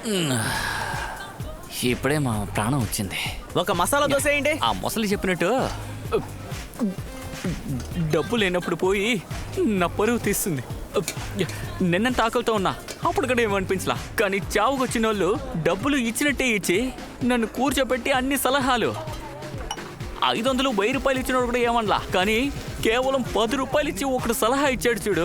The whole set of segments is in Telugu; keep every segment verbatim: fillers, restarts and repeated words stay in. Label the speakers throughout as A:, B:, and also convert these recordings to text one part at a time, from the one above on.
A: ఇప్పుడే మా ప్రాణం వచ్చింది.
B: ఒక మసాలా దోశ వేయండి.
A: ఆ ముసలి చెప్పినట్టు డబ్బు లేనప్పుడు పోయి నా పరువు తీస్తుంది. నిన్నంత ఆకలితో ఉన్నా అప్పుడు కూడా ఏమనిపించలా, కానీ చావుకు వచ్చిన వాళ్ళు డబ్బులు ఇచ్చినట్టే ఇచ్చి నన్ను కూర్చోబెట్టి అన్ని సలహాలు ఐదు వందలు వెయ్యి రూపాయలు ఇచ్చినోడు కూడా ఏమనలా, కానీ కేవలం పది రూపాయలు ఇచ్చి ఒకడు సలహా ఇచ్చాడు చూడు,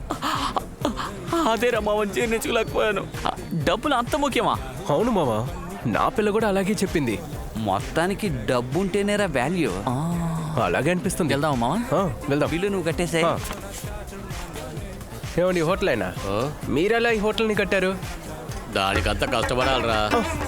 A: అదే రమ్మని జీర్ణించుకోలేకపోయాను. డబ్బులు అంత ముఖ్యమా?
C: అవును మామ, నా పిల్ల కూడా అలాగే చెప్పింది.
A: మొత్తానికి డబ్బు ఉంటేనేరా వాల్యూ.
C: అలాగే అనిపిస్తుంది.
A: వెళ్దాం మామ.
C: వెళ్దాం.
A: బిల్లు నువ్వు కట్టేసే.
C: ఏమండి హోటల్ అయినా మీరెలా ఈ హోటల్ని కట్టారు?
D: దానికంతా కష్టపడాలరా.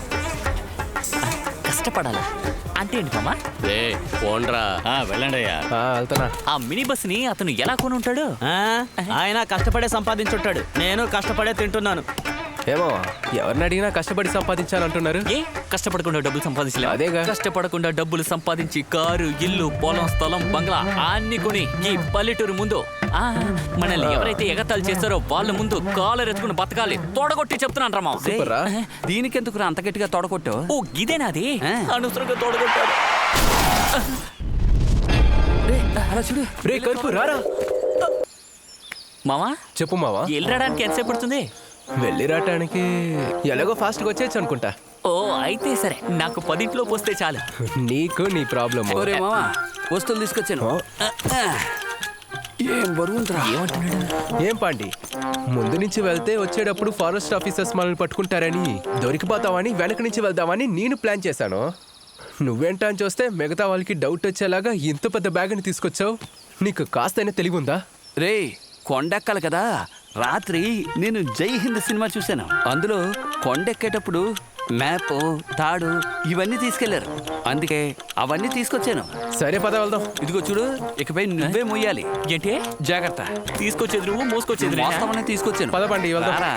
A: కష్టపడాలా అంటే ఏంటి మామ?
D: రే పోండ్రా.
E: వెళ్ళండి అయ్యా.
C: వెళ్తానా?
A: ఆ మినీ బస్ ని అతను ఎలా కొని ఉంటాడు?
B: ఆయన కష్టపడే సంపాదించుంటాడు, నేను కష్టపడే తింటున్నాను.
C: ఏమో ఎవరిని అడిగినా కష్టపడి సంపాదించాలంటున్నారు.
A: ఏ కష్టపడకుండా డబ్బులు సంపాదించలే?
C: అదేగా.
A: కష్టపడకుండా డబ్బులు సంపాదించి కారు, ఇల్లు, పొలం, స్థలం, బంగ్లా అన్ని కొని ఈ పల్లెటూరు ముందు ఆ మనల్ని ఎవరైతే ఎగతాలు చేస్తారో వాళ్ళ ముందు కాలర్ ఎత్తుకుని బతకాలి. తోడగొట్టి చెప్తున్నాను రా మామ.
C: సూపర్ రా.
A: దీనికెందుకు అంత గట్టిగా తోడగొట్టు? ఓ ఇదేనాది అనవసరంగా తోడగొట్టాడు. అలా చూడు.
C: రే కరుపు రారా.
A: మామా
C: చెప్పు మావా.
A: వెళ్ళడానికి ఎంతసేపు పడుతుంది?
C: వెళ్ళి రావటానికి ఎలాగో ఫాస్ట్గా వచ్చేయచ్చు అనుకుంటా.
A: ఓ అయితే సరే, నాకు పదింట్లో పోస్తే చాలు.
C: నీకు నీ ప్రాబ్లమ్.
A: ఒరే మామా వస్తువులు తీసుకొచ్చాను. ఏం బరువుందిరా. ఏమంటున్నాడు?
C: ఏం పాండి, ముందు నుంచి వెళ్తే వచ్చేటప్పుడు ఫారెస్ట్ ఆఫీసర్స్ మనల్ని పట్టుకుంటారని దొరికిపోతామని వెనక నుంచి వెళ్దామని నేను ప్లాన్ చేశాను. నువ్వేంటా అని చూస్తే మిగతా వాళ్ళకి డౌట్ వచ్చేలాగా ఇంత పెద్ద బ్యాగ్ని తీసుకొచ్చావు. నీకు కాస్తైనా తెలివి ఉందా?
F: రే కొండెక్కాలి కదా. రాత్రి నేను జై హింద్ సినిమా చూశాను. అందులో కొండెక్కేటప్పుడు మ్యాప్, తాడు ఇవన్నీ తీసుకెళ్లారు. అందుకే అవన్నీ తీసుకొచ్చాను.
C: సరే పద వెళ్దాం.
F: ఇదిగో చూడు, ఇకపై నువ్వే మొయ్యాలి.
A: ఏంటి?
F: జాగ్రత్త.
A: తీసుకొచ్చేది నువ్వు, మోసుకొచ్చేది నేను.
F: వాస్తవాన్ని తీసుకొచ్చాను.
C: పద పండి వెళ్దాం.
F: రారా.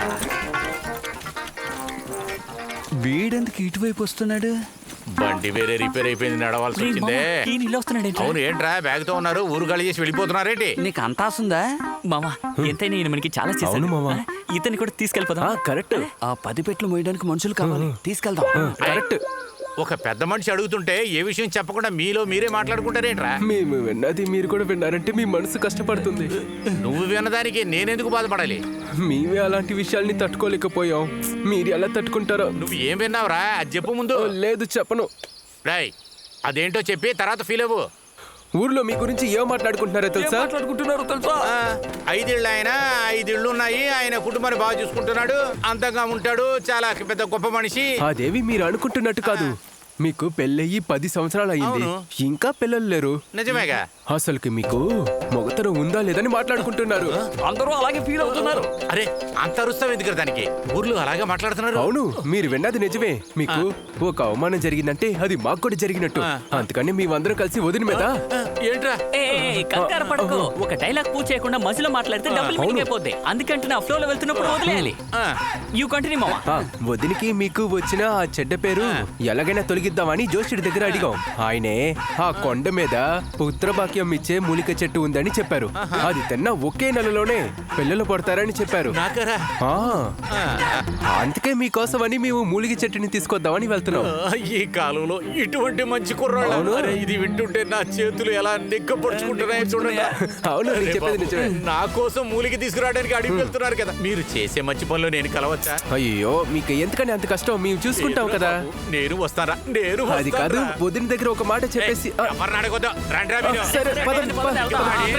F: వీడెందుకు ఇటువైపు వస్తున్నాడు?
D: బండి వేరే రిపేర్ అయిపోయింది, నడవాల్సి
A: రేయ్
D: వచ్చిందే.
A: మామ, ఈయన ఇలా వస్తున్నాడు ఏంటి?
D: అవును ఏంట్రా బ్యాగ్ తో ఉన్నారు, ఊరు గాలి చేసి వెళ్ళిపోతున్నారేంటి?
F: నీకు అంత ఆసుందా?
A: మామా ఎంతైనా ఈయన మనకి చాలా చేశాడు.
C: అవును మామ.
A: ఇతన్ని కూడా తీసుకెళ్ళిపోదాం.
C: కరెక్ట్.
F: ఆ పది పెట్లు మోయడానికి మనుషులు కావాలి. తీసుకెళ్దాం.
C: కరెక్ట్.
D: ఒక పెద్ద మనిషి అడుగుతుంటే ఏ విషయం చెప్పకుండా మీలో మీరే మాట్లాడుకుంటారేంట్రా?
C: మేము విన్నది మీరు కూడా విన్నారంటే మీ మనసు కష్టపడుతుంది.
D: నువ్వు విన్నదానికి నేనెందుకు బాధపడాలి?
C: మేమే అలాంటి విషయాల్ని తట్టుకోలేకపోయాం, మీరు ఎలా తట్టుకుంటారో.
D: నువ్వు ఏం విన్నావురా అది చెప్పు ముందు.
C: లేదు చెప్పను.
D: రాయ్ అదేంటో చెప్పి తర్వాత ఫీల్ అవ్వు.
C: ఊర్లో మీ గురించి ఏం మాట్లాడుకుంటున్నారో తెలుసా?
A: మాట్లాడుకుంటున్నారు తెలుసా?
D: ఆ, ఐదేళ్ళు ఆయన ఐదేళ్ళు ఉన్నాయి, ఆయన కుటుంబాన్ని బాగా చూసుకుంటున్నాడు, అందంగా ఉంటాడు, చాలా పెద్ద గొప్ప మనిషి.
C: అదేవి మీరు అనుకుంటున్నట్టు కాదు. మీకు పెళ్ళయి పది సంవత్సరాలు అయ్యింది, ఇంకా పిల్లలు లేరు.
D: నిజమేగా?
C: అసలుకి మీకు మొగతనం ఉందా లేదని మాట్లాడుకుంటున్నారు.
A: అందరూ అలాగే ఫీల్ అవుతున్నారు.
D: అరే అంత అరుస్తావు ఎందుకు దానికి? ఊర్లో అలాగే మాట్లాడుతున్నారు.
C: అవును, మీరు విన్నది నిజమే. మీకు ఒక అవమానం జరిగిందంటే అది మాకు కూడా జరిగినట్టు. అందుకని మేమందరం కలిసి వదిన మీద.
D: ఏంట్రా?
A: ఏ, ఏ, కంగారు పడకు. ఒక డైలాగ్ పూర్తి చేయకుండా మధ్యలో మాట్లాడితే డబ్బులు మీటింగ్ అయిపోద్ది. అందుకంటే నా ఫ్లో లో వెళ్తున్నప్పుడు వదిలేయాలి. యూ కంటిన్యూ మామా.
C: ఆ, వదినికి మీకు వచ్చిన ఆ చెడ్డ పేరు ఎలాగైనా తొలగిద్దామని జోషుడి దగ్గర అడిగాం. ఆయనే ఆ కొండ మీద పుత్రభాగ్యం ఇచ్చే మూలిక చెట్టు ఉందని చెప్పారు. అది తిన్న ఒకే నెలలోనే పిల్లలు పడతారని చెప్పారు.
D: నాకరా?
C: ఆ, అందుకే మీకోసమని మేము మూలిక చెట్టుని తీసుకొద్దామని వెళ్తున్నాం.
D: ఈ కాలంలో ఇటువంటి మంచి కుర్రాళ్ళు. అరే, ఇది వింటుంటే నా చేతులు ఎలా నిగ్గపరుచుకుంటున్నాయో చూడండి.
C: అవును, నేను చెప్పేది నిజమే.
D: నా కోసం మూలికి తీసుకురావడానికి అడిగి వెళ్తున్నారు కదా. మీరు చేసే మంచి పనులు నేను కలవచ్చా?
C: అయ్యో, మీకు ఎందుకని అంత కష్టం? మేము చూసుకుంటాం కదా.
D: నేను వస్తారా? నేను
C: అది కాదు, వదిన దగ్గర ఒక మాట చెప్పేసి. ఆ,
D: ఎవరిని అడగొద్దు. రండి రా మీరు.
C: సరే పదండి, పదండి.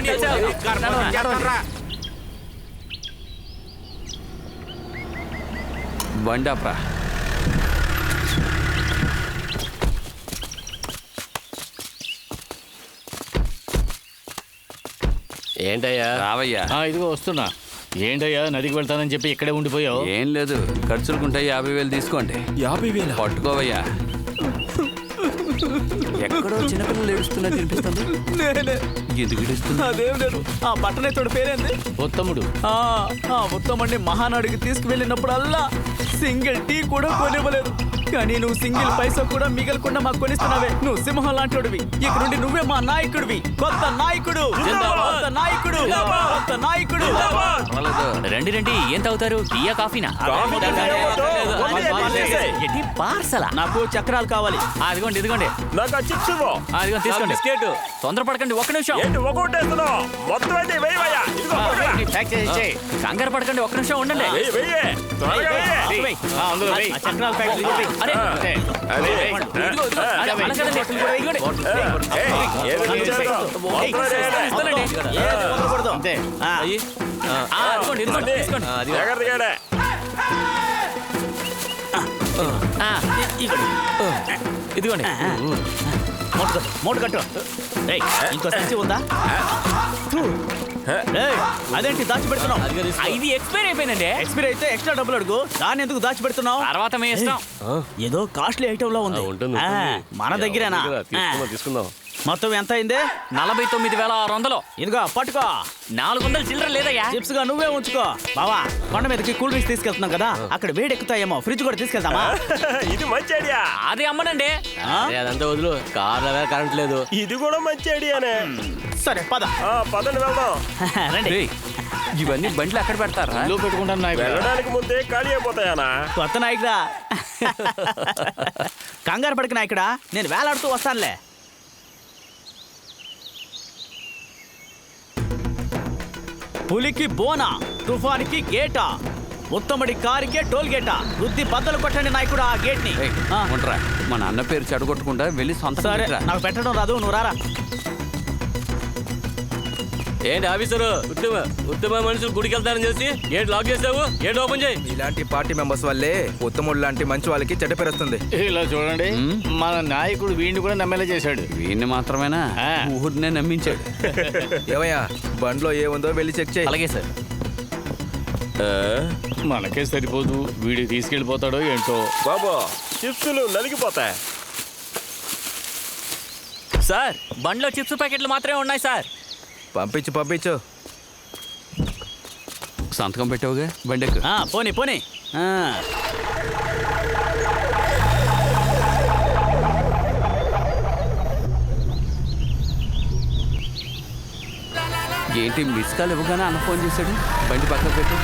F: బండాప్రా.
D: ఏంటయ్యా?
F: రావయ్యా.
E: ఇదిగో వస్తున్నా. ఏంటయ్యా నదికి వెళ్తానని చెప్పి ఇక్కడే ఉండిపోయావు?
F: ఏం లేదు, ఖర్చులుకుంటాయి. యాభై వేలు తీసుకోండి.
C: యాభై వేలు
F: పట్టుకోవయ్యా. ఎక్కడో చిన్నపిల్లలు ఏడుస్తున్నా తినిపిస్తుంది. ఎందుకు ఏడుస్తుంది?
B: అదేం లేదు, ఆ పట్టణేతోడు పేరేంది?
E: ఉత్తముడు.
B: ఆ ఉత్తమండి మహానాడికి తీసుకువెళ్ళినప్పుడల్లా సింగిల్ టీ కూడా కొనివ్వలేదు. కానీ నువ్వు సింగిల్ పైసా కూడా మిగలకుండా మాకు కొనిస్తున్నావే. నువ్వు సింహం లాంటివి. ఇక నుండి నువ్వే మా నాయకుడివి. కొత్త నాయకుడు, కొత్త నాయకుడు, కొత్త నాయకుడు.
A: రండి రండి, ఏం తాగుతారు? టీయా కాఫీనా? ఏంటి పార్సలా?
B: నాకు చక్రాలు కావాలి.
A: ఆ, ఇదిగోండి ఇదిగోండి
G: నాకు చిప్స్ ఇవ్వు.
A: ఆ, ఇదిగోండి తీసుకోండి. బిస్కెట్. తొందరపడకండి, ఒక్క నిమిషం.
G: ఏంటి ఒకటేస్తున్నావు? మొత్తం అయితే వెయ్యవయ్యా. ఇదిగో
A: ఆ,
G: పట్టురా.
A: వెయ్యి, ప్యాక్ చేసి ఇచ్చేయ్. కంగారు పడకండి, ఒక్క నిమిషం ఉండండి.
G: వెయ్యి, వెయ్యి. త్వరగా వెయ్యి.
A: అందులో వెయ్యి.
B: ఆ చక్రాల ప్యాకెట్ ఇదిగో వెయ్యి.
A: అరే,
G: అదే.
A: ఇదిగో, ఇదిగో. అరే, అలా కదండి, ఇదిగోండి.
G: ఏయ్, ఏదో ఇచ్చేద్దాం. మొత్తం వేయలే.
A: ఇస్తానండి.
B: ఏది వదలకూడదు. ఆ.
A: ఆ, ఇదిగోండి, ఇదిగోండి, తీసుకోండి.
G: జాగ్రత్తగా ఏడే.
A: ఆ, ఇదిగోండి.
B: మూట కట్టు, మూట కట్టు. ఏయ్, ఇంకో సంచి ఉందా? ఏయ్, అదేంటి దాచిపెడుతున్నావు?
A: ఆ, ఇది ఎక్స్పైర్ అయిపోయిందండి.
B: ఎక్స్పైర్ అయితే ఎక్స్ట్రా డబ్బులు అడుగు. దాన్ని ఎందుకు దాచిపెడుతున్నావు?
A: తర్వాత మీ ఇష్టం.
B: ఏదో కాస్ట్లీ ఐటమ్ లో ఉంది. ఆ, మన దగ్గరేనా? ఆ.
G: తీసుకుందాం.
B: మొత్తం ఎంత అయింది?
A: నలభై తొమ్మిది వేల ఆరు వందలు.
B: ఇదిగో పట్టుకో.
A: నాలుగు వందల చిల్లర లేదయ్యా.
B: చిప్స్ గా నువ్వే ఉంచుకో. బావా, కొండ మీదకి కూల్ డ్రింక్స్ తీసుకెళ్తున్నాం కదా, అక్కడ వేడి ఎక్కుతాయేమో. ఫ్రిడ్జ్ కూడా తీసుకెళ్తామా?
G: ఇది మంచి ఐడియా.
A: అది అమ్మనండి.
B: ఆ?
C: అదంతా వదులు. కార్లో కరెంట్ లేదు.
G: ఇది కూడా మంచి ఐడియానే.
B: సరే పద.
G: ఆ, పదండి వెళ్దాం.
B: రండి.
F: రేయ్, ఇవన్నీ బండ్లు ఎక్కడ పెడతారా?
E: లో పెట్టుకుంటాను నాయకుడు.
G: వెళ్ళడానికి ముందే ఖాళీ అయిపోతాయానా?
B: కొత్త నాయకుడా. కంగారు పడికి నాయకుడా, నేను వేలాడుతూ వస్తానులే. పులికి బోనా, తుఫానికి గేటా, ఉత్తముడి కారికే టోల్ గేటా. బుద్ధి బద్దలు కొట్టండి నాయకుడా ఆ గేట్ ని.
F: ఏయ్, ఉండరా. మా నాన్న పేరు చెడగొట్టకుండా వెళ్ళి సొంత
B: సరే, నాకు పెట్టడం రాదు, నువ్వు రారా.
H: ఏంటి ఆఫీసరు ఉత్తమ ఉత్తమ మనుషులు గుడికి వెళ్తారని చేసి గేట్ లాక్ చేసావు. గేట్ ఓపెన్ చేయి.
I: ఇలాంటి పార్టీ మెంబర్స్ వల్లే ఉత్తముడు లాంటి మంచి వాళ్ళకి చెడ్డ పేరు వస్తుంది.
E: ఇలా చూడండి, మన నాయకుడు వీడిని కూడా నమ్మేలా చేశాడు.
F: వీడిని మాత్రమేనా?
E: ఆ.
F: ఊరినే నమ్మించాడు.
I: ఏమయ్యా, బండ్లో ఏముందో వెళ్ళి చెక్ చేయి.
A: అలాగే సార్.
E: మనకే సరిపోదు, వీడి తీసుకెళ్ళిపోతాడో ఏంటో.
G: బాబు, చిప్సులు నలిగిపోతాయి.
A: సార్, బండ్లో చిప్స్ ప్యాకెట్లు మాత్రమే ఉన్నాయి సార్.
I: పంపించు పంపించు.
F: సంతకం పెట్టావుగా, బండెక్కు.
B: ఆ, పోనీ పోనీ. ఆ.
F: ఏంటి మిస్ కాల్ ఇవ్వగానే అన్న ఫోన్ చేశాడు? బండి పక్కన పెట్టు.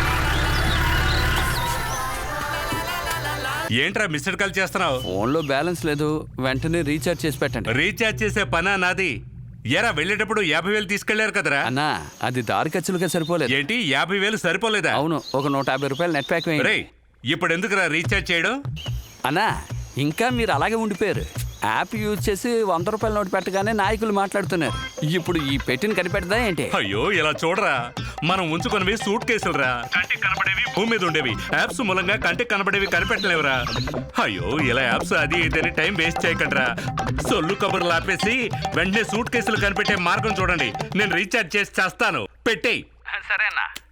J: ఏంట్రా మిస్డ్ కాల్ చేస్తున్నావు?
F: ఫోన్లో బ్యాలెన్స్ లేదు, వెంటనే రీఛార్జ్ చేసి పెట్టండి.
J: రీఛార్జ్ చేసే పనా నాది? ఎరా వెళ్ళేటప్పుడు యాభై వేలు తీసుకెళ్లారు కదరా?
F: అన్నా, అది దారి ఖర్చులుగా సరిపోలేదు.
J: ఏంటి యాభై వేలు సరిపోలేదా?
F: అవును, ఒక నూట యాభై రూపాయలు నెట్ ప్యాక్ వేయండి.
J: రేయ్, ఇప్పుడు ఎందుకురా రీఛార్జ్ చేయడం?
F: అన్నా, ఇంకా మీరు అలాగే ఉండిపోయారు. యాప్ యూజ్ చేసి వంద రూపాయల నోటు పెట్టగానే నాయకులు మాట్లాడుతున్నారు. ఇప్పుడు ఈ పెట్టిన కనిపెట్టదా ఏంటి?
J: అయ్యో ఇలా చూడరా, మనం ఉంచుకున్నవి సూట్ కేసులురా. కంటికి కనబడేవి భూమి మీద ఉండేవి. యాప్స్ మూలంగా కంటికి కనబడేవి కనిపెట్టలేవురా. అయ్యో ఇలా యాప్స్ అది ఇదని టైం వేస్ట్ చేయకండిరా. సొల్లు కబుర్లు ఆపేసి వెంటనే సూట్ కేసులు కనిపెట్టే మార్గం చూడండి. నేను రీఛార్జ్ చేసి చేస్తాను. పెట్టేయ్.
F: సరేనా?